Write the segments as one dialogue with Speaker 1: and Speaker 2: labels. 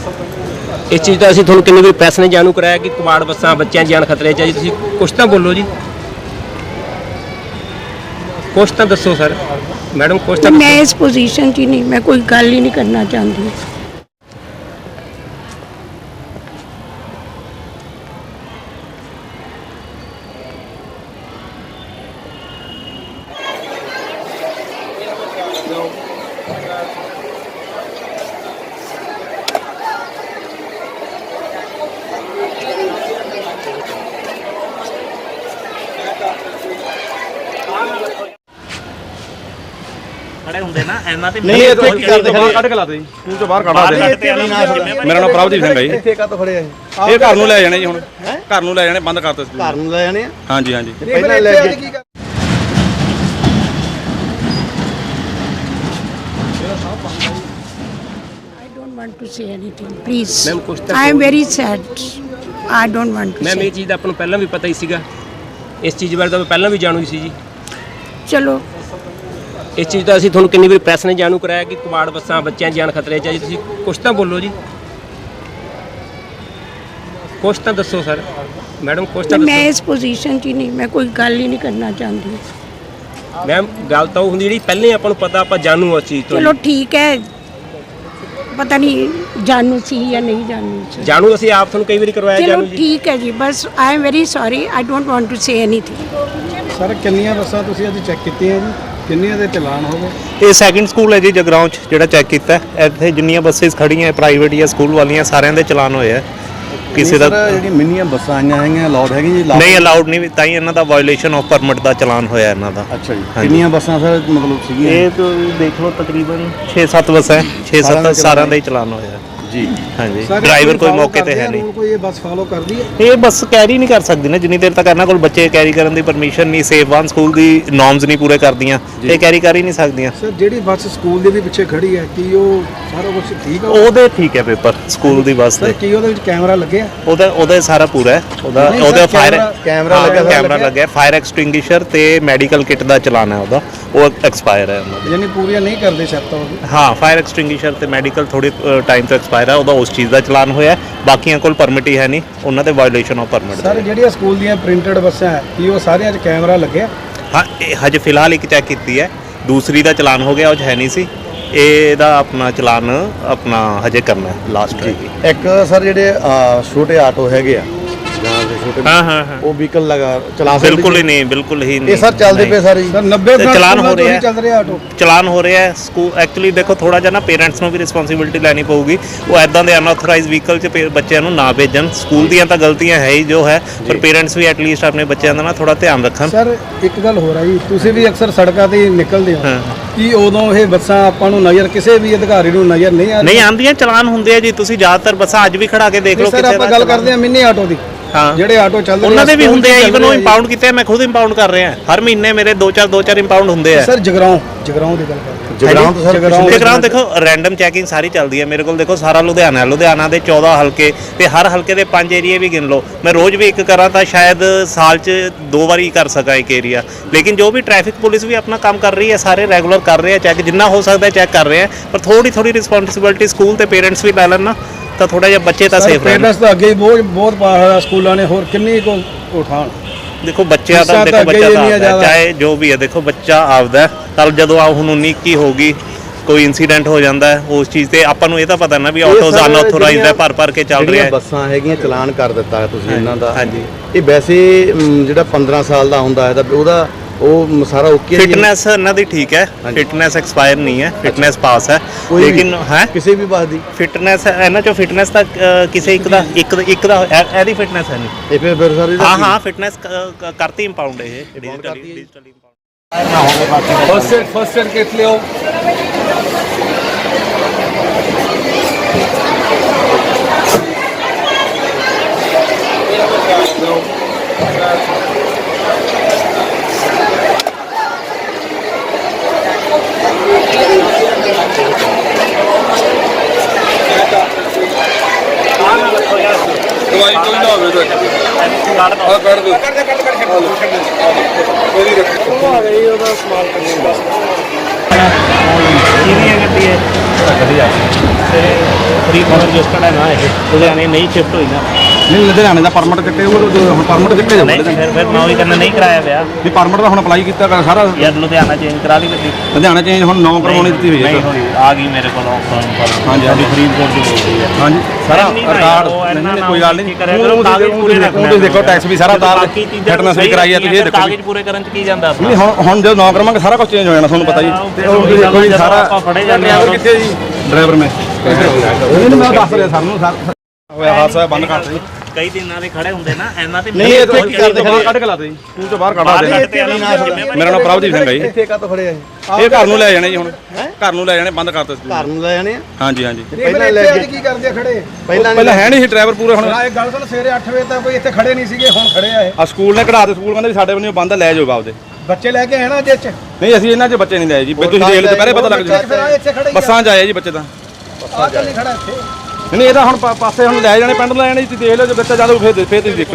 Speaker 1: इस चीज़ का असं थोड़ा किन्नी बार प्रैस ने जानू कराया कि कबाड़ बसा बच्चों जान खतरे च जी कुछ तो बोलो जी कुछ तो दसो सर मैडम कुछ तो
Speaker 2: मैं इस पोजीशन 'ਚ नहीं मैं कोई गल ही नहीं करना चाहती।
Speaker 3: खड़े होंगे ना ਇਹਨਾਂ ਤੇ
Speaker 4: नहीं ਇੱਥੇ ਕੀ ਕਰਦੇ ਬਾਹਰ ਕੱਢ ਕੇ ਲਾਤੇ ਜੀ ਸਕੂਲ ਤੋਂ ਬਾਹਰ ਕੱਢਾ ਦੇ ਮੇਰਾ ਨਾਮ ਪ੍ਰਭਜੀਤ ਸਿੰਘ ਹੈ ਜੀ
Speaker 5: ਇੱਥੇ ਕਾਹਤੋਂ ਖੜੇ ਆ
Speaker 4: ਇਹ ਘਰ ਨੂੰ ਲੈ ਜਾਣੇ ਜੀ ਹੁਣ ਘਰ ਨੂੰ ਲੈ ਜਾਣੇ ਬੰਦ ਕਰਤੇ ਸਕੂਲ
Speaker 5: ਘਰ ਨੂੰ ਲੈ ਜਾਣੇ ਆ
Speaker 4: ਹਾਂਜੀ ਹਾਂਜੀ
Speaker 5: ਪਹਿਲਾਂ ਲੈ ਕੇ
Speaker 2: I don't want to say anything, please.
Speaker 1: Ma'am, कुछ तो
Speaker 2: I am very sad. I don't want to
Speaker 1: ma'am
Speaker 2: say.
Speaker 1: ये चीज़ अपन पहला भी पता ही सीगा इस चीज़ बारे तो पहला भी जानू ही सी जी
Speaker 2: चलो
Speaker 1: इस चीज़ का असं थोड़ा किन्नी बार प्रैस ने जानू कराया कि कबाड़ बसा बच्चों जान खतरे च जी कुछ तो बोलो जी कुछ तो दसो सर मैडम कुछ तो
Speaker 2: मैं इस पोजीशन 'ਚ नहीं मैं कोई गल ही नहीं करना चाहती।
Speaker 1: मैम गल तो होंगी जी पहले अपन पता आप जानू उस चीज़ तो
Speaker 2: चलो ठीक है पता नहीं जानू सी या नहीं जानू सी।
Speaker 1: जानू असं आप थोड़ा कई बार करवाया
Speaker 2: चलो
Speaker 1: जानू जी
Speaker 2: ठीक है जी बस I am very sorry I don't want to say anything.
Speaker 5: Sir ਕਿੰਨੀਆਂ ਬੱਸਾਂ ਤੁਸੀਂ ਅੱਜ ਚੈੱਕ ਕੀਤੀਆਂ ਜੀ ਕਿੰਨੀਆਂ ਦੇ ਚਲਾਨ ਹੋ ਗਏ
Speaker 3: ਇਹ ਸੈਕਿੰਡ ਸਕੂਲ ਹੈ ਜੀ ਜਗਰਾਉਂ ਚ ਜਿਹੜਾ ਚੈੱਕ ਕੀਤਾ ਇੱਥੇ ਜਿੰਨੀਆਂ ਬੱਸਿਸ ਖੜੀਆਂ ਪ੍ਰਾਈਵੇਟ ਜਾਂ ਸਕੂਲ ਵਾਲੀਆਂ ਸਾਰਿਆਂ ਦੇ ਚਲਾਨ ਹੋਏ ਆ ਕਿਸੇ ਦਾ
Speaker 5: ਜਿਹੜੀ ਮਿੰਨੀਆਂ ਬੱਸਾਂ ਆਈਆਂ ਹੈਗੀਆਂ ਅਲਾਉਡ ਹੈਗੀ ਜੀ
Speaker 3: ਨਹੀਂ ਅਲਾਉਡ ਨਹੀਂ ਤਾਂ ਹੀ ਇਹਨਾਂ ਦਾ ਵਾਇਓਲੇਸ਼ਨ ਆਫ ਪਰਮਿਟ ਦਾ ਚਲਾਨ ਹੋਇਆ ਇਹਨਾਂ ਦਾ।
Speaker 5: ਅੱਛਾ ਜੀ ਕਿੰਨੀਆਂ ਬੱਸਾਂ ਸਰ ਮਤਲਬ ਸੀਗੀਆਂ
Speaker 3: ਇਹ ਤਾਂ ਦੇਖ ਲਓ ਤਕਰੀਬਨ 6-7 ਬੱਸਾਂ 6-7 ਸਾਰਿਆਂ ਦਾ ਹੀ ਚਲਾਨ ਹੋਇਆ
Speaker 5: ਜੀ
Speaker 3: ਹਾਂਜੀ ਡਰਾਈਵਰ ਕੋਈ ਮੌਕੇ ਤੇ ਹੈ ਨਹੀਂ
Speaker 5: ਕੋਈ ਇਹ ਬੱਸ ਫਾਲੋ ਕਰਦੀ ਹੈ
Speaker 3: ਇਹ ਬੱਸ ਕੈਰੀ ਨਹੀਂ ਕਰ ਸਕਦੀ ਨਾ ਜਿੰਨੀ ਦੇਰ ਤੱਕ ਇਹਨਾਂ ਕੋਲ ਬੱਚੇ ਕੈਰੀ ਕਰਨ ਦੀ ਪਰਮਿਸ਼ਨ ਨਹੀਂ ਸੇਫ ਵਨ ਸਕੂਲ ਦੀ ਨੋਰਮਸ ਨਹੀਂ ਪੂਰੇ ਕਰਦੀਆਂ ਇਹ ਕੈਰੀ ਕਰ ਹੀ ਨਹੀਂ ਸਕਦੀਆਂ।
Speaker 5: ਸਰ ਜਿਹੜੀ ਬੱਸ ਸਕੂਲ ਦੇ ਵੀ ਪਿੱਛੇ ਖੜੀ ਹੈ ਕੀ ਉਹ ਸਾਰਾ ਕੁਝ ਠੀਕ ਹੈ
Speaker 3: ਉਹਦੇ ਠੀਕ ਹੈ ਪੇਪਰ ਸਕੂਲ ਦੀ ਬੱਸ ਦੇ
Speaker 5: ਕੀ ਉਹਦੇ ਵਿੱਚ ਕੈਮਰਾ ਲੱਗਿਆ
Speaker 3: ਉਹਦਾ ਸਾਰਾ ਪੂਰਾ ਹੈ ਉਹਦਾ ਫਾਇਰ ਕੈਮਰਾ ਲੱਗਿਆ ਫਾਇਰ ਐਕਸਟਿੰਗੁਇਸ਼ਰ ਤੇ ਮੈਡੀਕਲ ਕਿਟ ਦਾ ਚਲਾਨ ਹੈ ਉਹਦਾ ਉਹ ਐਕਸਪਾਇਰ ਹੈ ਉਹਨਾਂ ਦਾ
Speaker 5: ਯਾਨੀ ਪੂਰੀਆਂ ਨਹੀਂ ਕਰਦੇ ਸ਼ਰਤਾਂ ਉਹ
Speaker 3: ਹਾਂ ਫਾਇਰ ਐਕਸਟਿੰਗੁਇਸ਼ਰ ਤੇ ਮੈਡੀਕਲ ਥੋੜੀ ਟਾਈਮ ਤੋਂ ਐਕਸਪਾਇਰ ਹੈ ਉਹਦਾ ਉਸ ਚੀਜ਼ ਦਾ ਚਲਾਨ ਹੋਇਆ ਬਾਕੀਆਂ ਕੋਲ ਪਰਮਿਟ ਹੀ ਹੈ ਨਹੀਂ ਉਹਨਾਂ ਤੇ ਵਾਇਓਲੇਸ਼ਨ ਆਫ ਪਰਮਿਟ
Speaker 5: ਸਰ ਜਿਹੜੀਆਂ ਸਕੂਲ ਦੀਆਂ ਪ੍ਰਿੰਟਡ ਬੱਸਾਂ ਹੈ ਕੀ ਉਹ ਸਾਰਿਆਂ 'ਚ ਕੈਮਰਾ ਲੱਗਿਆ
Speaker 3: ਹਾਂ ਹਜੇ ਫਿਲਹਾਲ ਇੱਕ ਚੈੱਕ ਕੀਤੀ ਹੈ ਦੂਸਰੀ ਦਾ ਚਲਾਨ ਹੋ ਗਿਆ ਉਹ 'ਚ ਹੈ ਨਹੀਂ ਸੀ ਇਹਦਾ ਆਪਣਾ ਚਲਾਨ ਆਪਣਾ ਹਜੇ ਕਰਨਾ ਹੈ ਲਾਸਟ
Speaker 5: ਇੱਕ ਸਰ ਜਿਹੜੇ ਛੋਟੇ ਆਟੋ ਹੈਗੇ ਆ ਜਾਂ ਛੋਟੇ
Speaker 3: ਹਾਂ
Speaker 5: ਉਹ ਵਹੀਕਲ ਲਗਾ ਚਲਾ ਸਕਦੇ
Speaker 3: ਬਿਲਕੁਲ ਹੀ ਨਹੀਂ ਬਿਲਕੁਲ ਹੀ ਨਹੀਂ
Speaker 5: ਇਹ ਸਰ ਚੱਲਦੇ ਪਏ ਸਾਰੇ ਸਰ 90
Speaker 3: ਚਲਾਨ ਹੋ ਰਿਹਾ
Speaker 5: ਚੱਲ ਰਿਹਾ ਆਟੋ
Speaker 3: ਚਲਾਨ ਹੋ ਰਿਹਾ ਹੈ ਸਕੂਲ ਐਕਚੁਅਲੀ ਦੇਖੋ ਥੋੜਾ ਜਿਹਾ ਨਾ ਪੇਰੈਂਟਸ ਨੂੰ ਵੀ ਰਿਸਪੌਂਸਿਬਿਲਟੀ ਲੈਣੀ ਪਊਗੀ ਉਹ ਐਦਾਂ ਦੇ ਅਨਆਥੋਰਾਈਜ਼ਡ ਵਹੀਕਲ 'ਚ ਬੱਚਿਆਂ ਨੂੰ ਨਾ ਭੇਜਣ ਸਕੂਲ ਦੀਆਂ ਤਾਂ ਗਲਤੀਆਂ ਹੈ ਹੀ ਜੋ ਹੈ ਪਰ ਪੇਰੈਂਟਸ ਵੀ ਐਟਲੀਸਟ ਆਪਣੇ ਬੱਚਿਆਂ ਦਾ ਨਾ ਥੋੜਾ ਧਿਆਨ ਰੱਖਣ।
Speaker 5: ਸਰ ਇੱਕ ਗੱਲ ਹੋ ਰਹੀ ਤੁਸੀਂ ਵੀ ਅਕਸਰ ਸੜਕਾਂ ਤੇ ਨਿਕਲਦੇ ਹੋ ਕਿ ਉਦੋਂ ਇਹ ਬੱਸਾਂ ਆਪਾਂ ਨੂੰ ਨਜ਼ਰ ਕਿਸੇ ਵੀ ਅਧਿਕਾਰੀ ਨੂੰ ਨਜ਼ਰ ਨਹੀਂ
Speaker 3: ਆਉਂਦੀਆਂ ਚਲਾਨ ਹੁੰਦੇ ਆ ਜੀ ਤੁਸੀਂ ਜ਼ਿਆਦਾਤਰ ਬੱਸਾਂ ਅੱਜ ਵੀ ਖੜਾ ਕੇ ਦੇਖ ਲਓ
Speaker 5: ਸਰ ਆਪਾਂ ਗੱਲ ਕਰਦੇ ਆ ਮਿੰਨੀ ਆਟੋ ਦੀ
Speaker 3: ਹਾਂ
Speaker 5: ਜਿਹੜੇ ਆਟੋ ਚੱਲਦੇ
Speaker 3: ਉਹਨਾਂ ਦੇ ਵੀ ਹੁੰਦੇ ਆ ਇਵਨ ਉਹ ਇੰਪਾਊਂਡ ਕੀਤੇ ਆ ਮੈਂ ਖੁਦ ਇੰਪਾਊਂਡ ਕਰ ਰਿਹਾ ਹਰ ਮਹੀਨੇ ਮੇਰੇ 2-4 ਇੰਪਾਊਂਡ ਹੁੰਦੇ ਆ।
Speaker 5: ਸਰ ਜਗਰਾਉਂ ਦੀ ਗੱਲ ਕਰਦੇ
Speaker 3: ਜਗਰਾਉਂ ਦੇਖੋ ਰੈਂਡਮ ਚੈਕਿੰਗ ਸਾਰੀ ਚੱਲਦੀ ਹੈ ਮੇਰੇ ਕੋਲ ਦੇਖੋ ਸਾਰਾ ਲੁਧਿਆਣਾ ਦੇ 14 ਹਲਕੇ ਤੇ ਹਰ ਹਲਕੇ ਦੇ 5 ਏਰੀਏ ਵੀ ਗਿਣ ਲਓ ਮੈਂ ਰੋਜ਼ ਵੀ ਇੱਕ ਕਰਾਂ ਤਾਂ ਸ਼ਾਇਦ ਸਾਲ 'ਚ 2 ਵਾਰੀ ਕਰ ਸਕਾਂ ਇੱਕ ਏਰੀਆ ਲੇਕਿਨ ਜੋ ਵੀ ਟ੍ਰੈਫਿਕ ਪੁਲਿਸ ਵੀ ਆਪਣਾ ਕੰਮ ਕਰ ਰਹੀ ਹੈ ਸਾਰੇ ਰੈਗੂਲਰ ਕਰ ਰਹੇ ਆ ਚੈੱਕ ਜਿੰਨਾ ਹੋ ਸਕਦਾ ਚੈੱਕ ਕਰ ਰਹੇ ਆ ਪਰ ਥੋੜੀ ਰਿਸਪੌਂਸਿਬਿਲਿਟੀ ਸਕੂਲ ਤੇ ਪੇਰੈਂਟਸ ਵੀ ਲੈ ਲੈਣ ਨਾ ਤਾਂ ਥੋੜਾ ਜਿਹਾ ਬੱਚੇ ਤਾਂ ਸੇਫ ਰਹਿਣ।
Speaker 5: ਪੇਰੈਂਟਸ ਤਾਂ ਅੱਗੇ ਹੀ ਬਹੁਤ ਪਾ ਹੋਇਆ ਸਕੂਲਾਂ ਨੇ ਹੋਰ ਕਿੰਨੀ ਕੋ ਉਠਾਣ
Speaker 3: ਦੇਖੋ ਬੱਚਿਆਂ ਦਾ ਦੇਖੋ ਬੱਚਾ ਤਾਂ ਚਾਹੇ ਜੋ ਵੀ ਹੈ ਦੇਖੋ ਬੱਚਾ ਆਪਦਾ ਕੱਲ ਜਦੋਂ ਹੁਣ 19-21 ਹੋਗੀ ਕੋਈ ਇਨਸੀਡੈਂਟ ਹੋ ਜਾਂਦਾ ਹੈ ਉਸ ਚੀਜ਼ ਤੇ ਆਪਾਂ ਨੂੰ ਇਹ ਤਾਂ ਪਤਾ ਨਾ ਵੀ ਆਟੋਜ਼ ਅਨਆਥੋਰਾਈਜ਼ਡ ਹੈ ਭਰ ਕੇ ਚੱਲ ਰਿਹਾ ਹੈ
Speaker 5: ਬੱਸਾਂ ਹੈਗੀਆਂ ਚਲਾਨ ਕਰ ਦਿੱਤਾ ਤੁਸੀਂ ਇਹਨਾਂ ਦਾ
Speaker 3: ਹਾਂਜੀ
Speaker 5: ਇਹ ਵੈਸੇ ਜਿਹੜਾ 15 ਸਾਲ ਦਾ ਹੁੰਦਾ ਹੈ ਤਾਂ ਉਹਦਾ ਉਹ ਸਾਰਾ ਓਕੇ
Speaker 3: ਫਿਟਨੈਸ ਇਹਨਾਂ ਦੀ ਠੀਕ ਹੈ ਫਿਟਨੈਸ ਐਕਸਪਾਇਰ ਨਹੀਂ ਹੈ ਫਿਟਨੈਸ ਪਾਸ ਹੈ ਲੇਕਿਨ ਹੈ ਕਿਸੇ ਵੀ ਬੱਸ ਦੀ ਫਿਟਨੈਸ ਇਹਨਾਂ ਚੋਂ ਫਿਟਨੈਸ ਤਾਂ ਕਿਸੇ ਇੱਕ ਦਾ ਇਹਦੀ ਫਿਟਨੈਸ ਹੈ ਨਹੀਂ
Speaker 5: ਇਹ ਫਿਰ ਸਾਰੀ
Speaker 3: ਹਾਂ ਫਿਟਨੈਸ ਕਰਤੀ ਇੰਪਾਊਂਡ ਇਹ ਡਿਜੀਟਲੀ
Speaker 5: ਫਸਟ ਏਡ ਕਿਟ ਲਿਓ
Speaker 4: ਦਵਾਈ ਕੋਈ ਨਾ ਹੋਵੇ ਤਾਂ ਆ ਕੱਢ ਦਿਓ
Speaker 5: ਉਹਦੀ ਰੱਖੋ ਆ ਗਈ ਉਹਦਾ ਸਮਾਲ ਕਰਨੀ ਬਸ
Speaker 3: ਕਿਹਦੀ ਹੈ ਗੱਡੀ ਹੈ ਤੇ ਫਰੀਦਕੋਟ ਰਜਿਸਟਰਡ ਹੈ ਨਾ ਇਹ ਲੁਧਿਆਣੇ ਨਹੀਂ ਸ਼ਿਫਟ ਹੋਈ ਨਾ
Speaker 4: ਨਹੀਂ ਲੁਧਿਆਣੇ ਦਾ ਪਰਮਿਟ ਕੱਟੇ ਉਹ ਹੁਣ ਪਰਮਿਟ ਕਿੱਥੇ ਜਾਊਗਾ
Speaker 3: ਨਹੀਂ ਫਿਰ ਮੈਂ ਉਹੀ ਕਰਨਾ ਨਹੀਂ ਕਰਾਇਆ ਪਿਆ
Speaker 4: ਵੀ ਪਰਮਿਟ ਦਾ ਹੁਣ ਅਪਲਾਈ ਕੀਤਾ ਕਰ ਸਾਰਾ
Speaker 3: ਯਾਰ ਲੁਧਿਆਣਾ ਚੇਂਜ ਕਰਾ ਲਈ ਗੱਡੀ
Speaker 4: ਲੁਧਿਆਣਾ ਚੇਂਜ ਹੁਣ 9 ਕਰਵਾਉਣੀ ਦਿੱਤੀ ਹੋਈ
Speaker 3: ਨਹੀਂ
Speaker 4: ਹੈ
Speaker 3: ਹੋਈ ਆ ਗਈ ਮੇਰੇ ਕੋਲ
Speaker 4: ਹਾਂਜੀ ਹਾਂਜੀ
Speaker 3: ਫਰੀਦਕੋਟ ਦੀ ਬੋਲਦੀ ਹੈ
Speaker 4: ਹਾਂਜੀ ਸਾਰਾ
Speaker 3: ਨਹੀਂ ਨਾ
Speaker 4: ਰਿਕਾਰਡ
Speaker 3: ਉਹ ਇੰਨਾ
Speaker 4: ਨਹੀਂ
Speaker 3: ਨਾ
Speaker 4: ਕੋਈ ਗੱਲ ਨਹੀਂ
Speaker 3: ਕਰਿਆ ਕਰੋ, ਕਾਗਜ਼ ਪੂਰੇ ਰੱਖਣਾ
Speaker 4: ਤੁਸੀਂ ਦੇਖੋ ਟੈਕਸ ਵੀ ਸਾਰਾ ਤਾਰ
Speaker 3: ਬਾਕੀ ਚੀਜ਼ਾਂ
Speaker 4: ਫਿਟਨੈਸ ਵੀ ਕਰਾਈ ਹੈ ਤੁਸੀਂ ਇਹ ਦੇਖੋ
Speaker 3: ਕਾਗਜ਼ ਪੂਰੇ ਕਰਨ ਚ ਕੀ ਜਾਂਦਾ ਆਪਣਾ
Speaker 4: ਨਹੀਂ ਹੁਣ ਜਦੋਂ 9 ਕਰਾਵਾਂਗੇ ਸਾਰਾ ਕੁਝ ਚੇਂਜ ਹੋ ਜਾਣਾ ਤੁਹਾਨੂੰ ਪਤਾ ਜੀ ਤੇ ਉਹ
Speaker 3: ਉਹੀ
Speaker 4: ਦੇਖੋ ਜੀ
Speaker 3: ਜਦੋਂ
Speaker 4: ਸਾਰਾ
Speaker 3: ਆਪਾਂ ਫੜੇ ਜਾਂਦੇ ਹਾਂ।
Speaker 4: ਡਰਾਈਵਰ ਕਿੱਥੇ ਜੀ ਡਰਾਈਵਰ ਮੈਂ ਨਹੀਂ ਮੈਂ ਦੱਸ ਰਿਹਾ ਸਰ ਨੂੰ ਸਰ ਹੋਇਆ ਹਾਦਸਾ ਬੰਦ ਕਰਤਾ ਜੀ
Speaker 3: ਕਈ ਦਿਨਾਂ ਦੇ ਖੜੇ ਹੁੰਦੇ ਨਾ ਇਹਨਾਂ ਤੇ
Speaker 4: ਨਹੀਂ ਇੱਥੇ ਕੀ ਕਰਦੇ ਬਾਹਰ ਕੱਢ ਕੇ ਲਾਤੇ ਜੀ ਸਕੂਲ ਤੋਂ ਬਾਹਰ ਕੱਢਾ ਦੇ ਮੇਰਾ ਨਾਮ ਪ੍ਰਭਜੀਤ ਸਿੰਘ ਹੈ ਜੀ
Speaker 5: ਇੱਥੇ ਕਦੋਂ ਫੜਿਆ
Speaker 4: ਇਹ ਘਰ ਨੂੰ ਲੈ ਜਾਣੇ ਜੀ ਹੁਣ ਘਰ ਨੂੰ ਲੈ ਜਾਣੇ ਬੰਦ ਕਰਤਾ ਸਕੂਲ
Speaker 5: ਘਰ ਨੂੰ ਲੈ ਜਾਣੇ ਆ
Speaker 4: ਹਾਂਜੀ ਹਾਂਜੀ
Speaker 5: ਪਹਿਲਾਂ ਲੈ ਕੇ ਕੀ ਕਰਦੇ ਆ ਖੜੇ
Speaker 4: ਪਹਿਲਾਂ ਹੈ ਨਹੀਂ ਸੀ ਡਰਾਈਵਰ ਪੂਰੇ ਹੁਣ
Speaker 5: ਇਹ ਗੱਲ ਸੁਣ ਸਵੇਰੇ 8 ਵਜੇ ਤੱਕ ਕੋਈ ਇੱਥੇ ਖੜੇ ਨਹੀਂ ਸੀਗੇ ਹੁਣ ਖੜੇ ਆ ਇਹ
Speaker 4: ਆ ਸਕੂਲ ਨੇ ਕਢਾ ਦੇ ਸਕੂਲ ਕਹਿੰਦੇ ਵੀ ਸਾਡੇ ਬੰਦੇ ਬੰਦ ਲੈ ਜਾਓ ਬਾਪ ਦੇ
Speaker 5: ਬੱਚੇ ਲੈ ਕੇ ਆਏ ਨਾ ਅੱਜ ਚ
Speaker 4: ਨਹੀਂ ਅਸੀਂ ਇਹਨਾਂ 'ਚ ਬੱਚੇ ਨਹੀਂ ਲਏ ਜੀ ਵੀ ਤੁਸੀਂ ਦੇਖ ਲਓ ਪਹਿਲੇ ਪਤਾ ਲੱਗ
Speaker 5: ਬੱਚੇ ਫਿਰ ਆ ਇੱਥੇ ਖੜੇ
Speaker 4: ਜੂ ਬੱਸਾਂ 'ਚ ਆਏ ਜੀ ਬੱਚੇ ਤਾਂ
Speaker 5: ਆ ਚੱਲੀ ਖੜਾ ਇੱਥੇ
Speaker 4: ਨਹੀਂ ਇਹਦਾ ਹੁਣ ਪਾਸੇ ਹੁਣ ਲੈ ਜਾਣੇ ਪਿੰਡ ਲੈ ਜਾਣੇ ਤੁਸੀਂ ਦੇਖ ਲਓ ਜੇ ਬੱਚਾ ਜਾਦੂ ਫੇਰ ਤੁਸੀਂ ਦੇਖੋ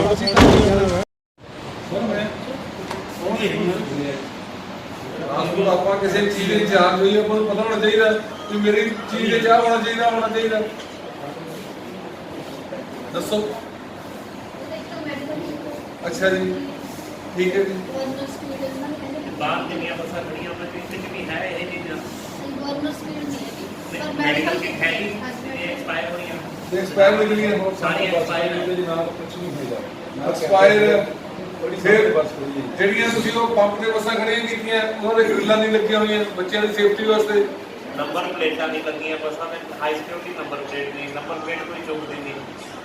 Speaker 6: ਆਪਾਂ ਕਿਸੇ ਚੀਜ਼ ਦੇ ਚਾਰਜ ਹੋਈ ਆਪਾਂ ਨੂੰ ਪਤਾ ਹੋਣਾ ਚਾਹੀਦਾ ਕਿ ਮੇਰੀ ਚੀਜ਼ ਦੇ ਚਾਹ ਹੋਣਾ ਚਾਹੀਦਾ ਦੱਸੋ ਅੱਛਾ ਜੀ ਠੀਕ ਹੈ ਜੀ
Speaker 3: ਬਾਹਰ ਜਿੰਨੀਆਂ ਬੱਸਾਂ ਖੜੀਆਂ ਉਹਨਾਂ ਵਿੱਚ ਵੀ ਹੈ ਇਹ ਚੀਜ਼ਾਂ
Speaker 7: ਮੈਡੀਕਲ
Speaker 3: ਕਿੱਟ ਹੈ ਹੀ ਇਹ ਐਕਸਪਾਇਰ ਹੋਈਆਂ
Speaker 6: ਤੇ ਐਕਸਪਾਇਰ ਨਿਕਲੀ ਹੈ
Speaker 3: ਸਾਰੀ expire ਹੈ।
Speaker 6: ਦੇ ਨਾਲ ਕੁਝ ਨਹੀਂ ਹੋਏਗਾ ਐਕਸਪਾਇਰ ਫਿਰ ਜਿਹੜੀਆਂ ਤੁਸੀਂ ਉਹ ਪੰਪ ਤੇ ਬੱਸਾਂ ਖੜੀਆਂ ਕੀਤੀਆਂ ਉਹਨਾਂ ਦੇ ਗ੍ਰਿਲਾਂ ਨਹੀਂ ਲੱਗੀਆਂ ਹੋਈਆਂ ਬੱਚਿਆਂ ਦੀ ਸੇਫਟੀ ਵਾਸਤੇ
Speaker 3: ਨੰਬਰ ਪਲੇਟਾਂ ਨਹੀਂ ਲੱਗੀਆਂ ਬੱਸਾਂ ਦੇ ਹਾਈ ਸਿਕਿਉਰਿਟੀ ਨੰਬਰ ਪਲੇਟ ਨਹੀਂ ਨੰਬਰ ਪਲੇਟ ਕੋਈ ਚੁੱਕਦੀ ਨਹੀਂ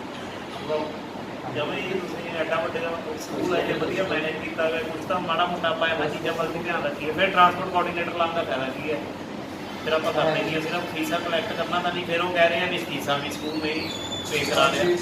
Speaker 3: ਜਦੋਂ ਇਹ ਤੁਸੀਂ ਐਡਾ ਵੱਡੇ ਦਾ ਸਕੂਲ ਹੈ ਜੇ ਵਧੀਆ ਮੈਨੇਜ ਕੀਤਾ ਹੋਇਆ ਕੁਝ ਤਾਂ ਮਾੜਾ ਮੋਟਾ ਆਪਾਂ ਇਹਨਾਂ ਚੀਜ਼ਾਂ ਵੱਲ ਵੀ ਧਿਆਨ ਰੱਖੀਏ ਫਿਰ ਟਰਾਂਸਪੋਰਟ ਕੋਆਰਡੀਨੇਟਰ ਲਾਉਣ ਦਾ ਫਾਇਦਾ ਕੀ ਹੈ ਫਿਰ ਆਪਾਂ ਕਰਦੇ ਨਹੀਂ ਸਿਰਫ ਫੀਸਾਂ ਕਲੈਕਟ ਕਰਨਾ ਤਾਂ ਨਹੀਂ ਫਿਰ ਉਹ ਕਹਿ ਰਹੇ ਆ ਵੀ ਫੀਸਾਂ ਵੀ ਸਕੂਲ ਨਹੀਂ ਪੇ ਕਰਾ ਰਿਹਾ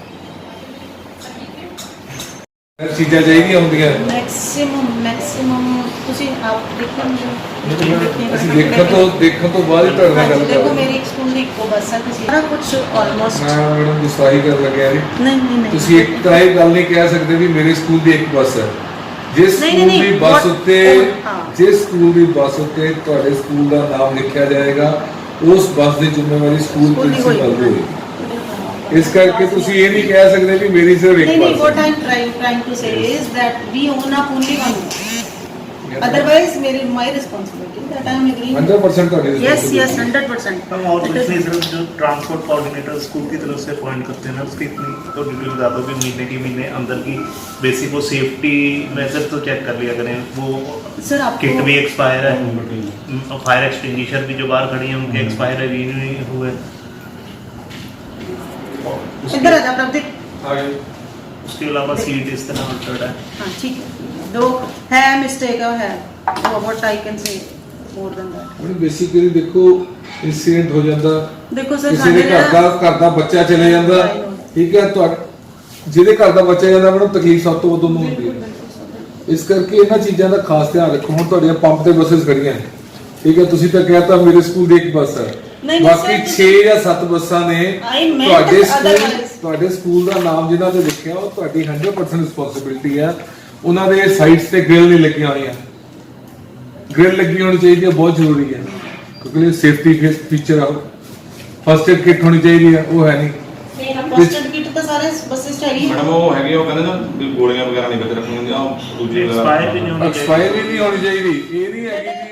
Speaker 6: ਚੀਜ਼ਾਂ ਚਾਹੀਦੀਆਂ ਹੁੰਦੀਆਂ
Speaker 7: ਮੈਕਸਿਮਮ ਤੁਸੀਂ ਆਪ ਦੇਖੋ
Speaker 6: ਅਸੀਂ ਦੇਖਣ ਤੋਂ ਬਾਅਦ ਹੀ ਤੁਹਾਡੇ ਨਾਲ ਗੱਲ
Speaker 7: ਦੇਖੋ
Speaker 6: ਕਰਾਂਗੇ
Speaker 7: ਮੇਰੀ ਇੱਕ ਸਕੂਲ ਦੀ ਇੱਕੋ ਬੱਸ ਹੈ ਤੁਸੀਂ ਸਾਰਾ ਕੁਝ ਆਲਮੋਸਟ
Speaker 6: ਮੈਂ ਮੈਡਮ ਗੁੱਸਾਈ ਕਰਨ ਲੱਗਿਆ ਜੀ
Speaker 7: ਨਹੀਂ
Speaker 6: ਤੁਸੀਂ ਇੱਕ ਤਾਂ ਇਹ ਗੱਲ ਨਹੀਂ ਕਹਿ ਸਕਦੇ ਵੀ ਮੇਰੇ ਸਕੂਲ ਦੀ ਇੱਕ ਬੱਸ ਹੈ ਜਿਸ ਸਕੂਲ ਦੀ ਬੱਸ ਉੱਤੇ ਜਿਸ ਸਕੂਲ ਦੀ ਬੱਸ ਉੱਤੇ ਤੁਹਾਡੇ ਸਕੂਲ ਦਾ ਨਾਮ ਲਿਖਿਆ ਜਾਏਗਾ ਉਸ ਬੱਸ ਦੀ ਜ਼ਿੰਮੇਵਾਰੀ ਸਕੂਲ ਪ੍ਰਿੰਸੀਪਲ ਦੀ ਹੋਏਗੀ ਇਸ ਕਰਕੇ ਤੁਸੀਂ ਇਹ ਨਹੀਂ ਕਹਿ ਸਕਦੇ ਵੀ ਮੇਰੀ ਸਿਰਫ ਇੱਕ
Speaker 7: नहीं,
Speaker 6: ਬੱਸ
Speaker 7: what
Speaker 6: ਹੈ
Speaker 7: I'm trying to say is that we own up only one bus. Otherwise, my responsibility that I am agreeing.
Speaker 6: 100% ਤੁਹਾਡੀ
Speaker 7: Yes,
Speaker 6: responsibility।
Speaker 7: 100%.
Speaker 3: हम और दूसरी तरफ जो ट्रांसपोर्ट कोऑर्डिनेटर स्कूल की तरफ से अपॉइंट करते हैं ना उसकी इतनी तो डिटेल बता दो कि महीने की महीने अंदर की बेसिक वो सेफ्टी मेजर तो चेक कर लिया करें वो
Speaker 7: Sir, आपको
Speaker 3: किट भी एक्सपायर है फायर एक्सटिंग्विशर भी जो बाहर खड़ी है उनके एक्सपायर है रिन्यू नहीं हुए
Speaker 7: इधर आ जा प्रदीप.
Speaker 3: उसके अलावा सीट इस तरह अल्टर्ड है
Speaker 7: हाँ ठीक है. दो है मिस्टेक है what I can say more than that.
Speaker 6: ਉਹਨੂੰ ਬੇਸਿਕਲੀ ਦੇਖੋ ਇਨਸੀਡੈਂਟ ਹੋ ਜਾਂਦਾ
Speaker 7: देखो सर
Speaker 6: ਕਿਸੇ ਦੇ ਘਰ ਦਾ ਬੱਚਾ ਚਲੇ ਜਾਂਦਾ ਠੀਕ ਹੈ ਜਿਹਦੇ ਘਰ ਦਾ ਬੱਚਾ ਜਾਂਦਾ ਮੈਨੂੰ ਤਕਲੀਫ ਸਭ ਤੋਂ ਵੱਧ ਉਹਨੂੰ ਹੁੰਦੀ ਹੈ ਇਸ ਕਰਕੇ ਇਹਨਾਂ ਚੀਜ਼ਾਂ ਦਾ ਖਾਸ ਧਿਆਨ ਰੱਖੋ ਹੁਣ ਤੁਹਾਡੀਆਂ ਪੰਪ ਤੇ ਬੱਸਸ ਖੜੀਆਂ ਨੇ ਠੀਕ ਹੈ ਤੁਸੀਂ ਤਾਂ ਕਹਿਤਾ ਮੇਰੇ ਸਕੂਲ ਦੀ ਇੱਕ ਬੱਸ ਹੈ ਬਾਕੀ 6 ਜਾਂ 7 ਬੱਸਾਂ ਨੇ ਤੁਹਾਡੇ ਸਕੂਲ ਦਾ ਨਾਮ ਜਿਨ੍ਹਾਂ ਤੇ ਲਿਖਿਆ ਉਹ ਤੁਹਾਡੀ 100% ਰਿਸਪੌਂਸਿਬਿਲਟੀ ਹੈ ਉਹਨਾਂ ਦੇ ਸਾਈਡਸ ਤੇ ਗ੍ਰਿਲ ਨਹੀਂ ਲੱਗੀਆਂ ਹੋਈਆਂ ਗ੍ਰਿਲ ਲੱਗੀ ਹੋਣੀ ਚਾਹੀਦੀ ਹੈ ਬਹੁਤ ਜ਼ਰੂਰੀ ਹੈ ਕਿਉਂਕਿ ਇਹ ਸੇਫਟੀ ਫੀਚਰ ਆ ਫਸਟ ਏਡ ਕਿੱਟ ਹੋਣੀ ਚਾਹੀਦੀ ਹੈ ਉਹ ਹੈ ਨਹੀਂ
Speaker 7: फर्स्ट एड किट तो सारे बसेस चाहिए.
Speaker 4: ਮੈਡਮ ਉਹ ਹੈਗੇ ਉਹ ਕਹਿੰਦੇ ਨਾ ਵੀ ਗੋਲੀਆਂ ਵਗੈਰਾ ਨਹੀਂ ਵਿੱਚ ਰੱਖਣੀਆਂ ਹੁੰਦੀਆਂ ਉਹ ਦੂਜੀ
Speaker 3: एक्सपायर भी नहीं होनी चाहिए
Speaker 6: ਐਕਸਪਾਇਰ ਵੀ ਨਹੀਂ ਹੋਣੀ ਚਾਹੀਦੀ ਇਹ ਨਹੀਂ ਹੈਗੀ